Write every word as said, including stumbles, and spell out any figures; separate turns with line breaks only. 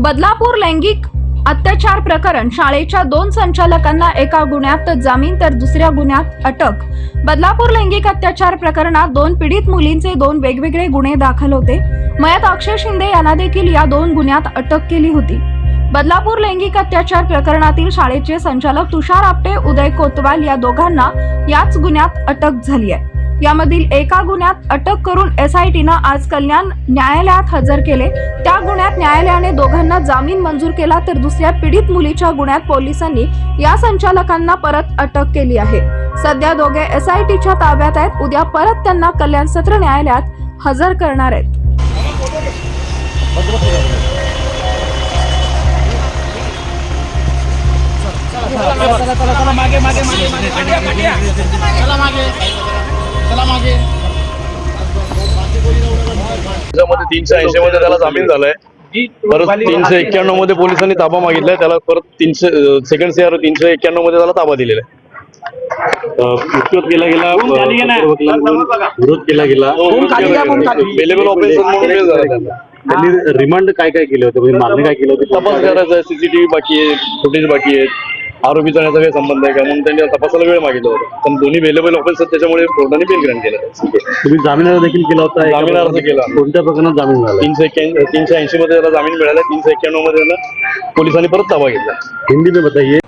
बदलापूर लैंगिक अत्याचार प्रकरण शाळेच्या दोन संचालकांना एका गुन्ह्यात जामीन तर दुसऱ्या गुन्ह्यात अटक। बदलापूर लैंगिक अत्याचार प्रकरणात दोन पीडित मुलींचे दोन वेगवेगळे गुन्हे दाखल होते। मयत अक्षय शिंदे यांना देखील या दोन गुन्ह्यात अटक केली होती। बदलापूर लैंगिक अत्याचार प्रकरणातील शाळेचे संचालक तुषार आपटे, उदय कोतवाल या दोघांना याच गुन्ह्यात अटक झाली आहे। यामधील एका गुन्ह्यात अटक करून एसआयटीनं आज कल्याण न्यायालयात हजर केले। त्या गुन्ह्यात न्यायालयाने दोघांना जामीन मंजूर केला तर दुसऱ्या पीडित मुलीच्या गुन्ह्यात पोलिसांनी या संचालकांना परत अटक केली आहे। सध्या दोघे एसआयटीच्या ताब्यात आहेत। उद्या परत त्यांना कल्याण सत्र न्यायालयात हजर करणार आहेत।
त्याच्यामध्ये तीनशे ऐंशी मध्ये त्याला जामीन झालाय। परत तीनशे एक्क्याण्णव मध्ये पोलिसांनी ताबा मागितलाय त्याला। परत तीनशे सेकंड सीआर तीनशे एक्क्याण्णव मध्ये त्याला ताबा दिलेला आहे।
विरोध केला गेला विरोध केला गेला
बेलेबल ऑफेन्स म्हणून बेल झाला त्यांना।
त्यांनी रिमांड काय काय केलं होतं, म्हणजे मागणी काय केलं होतं?
तपास करायचा आहे, सीसीटीव्ही बाकी आहे, फुटेज बाकी आहे, आरोपी जाण्याचा काही संबंध आहे का म्हणून त्यांनी तपासाला वेळ मागितला होता। पण दोन्ही बेलेबल ऑफेन्स आहेत त्याच्यामुळे कोर्टाने बेल ग्रँट केला।
तुम्ही जामीन अर्ज देखील केला होता?
जामीन अर्ज केला।
कोणत्या प्रकरणात जामीन झाला?
तीनशे एक्क्याऐंशी तीनशे ऐंशी मध्ये त्याला जामीन मिळाला। तीनशे एक्क्याण्णव मध्ये त्याला पोलिसांनी परत ताबा घेतला।
हिंदी में बताइए।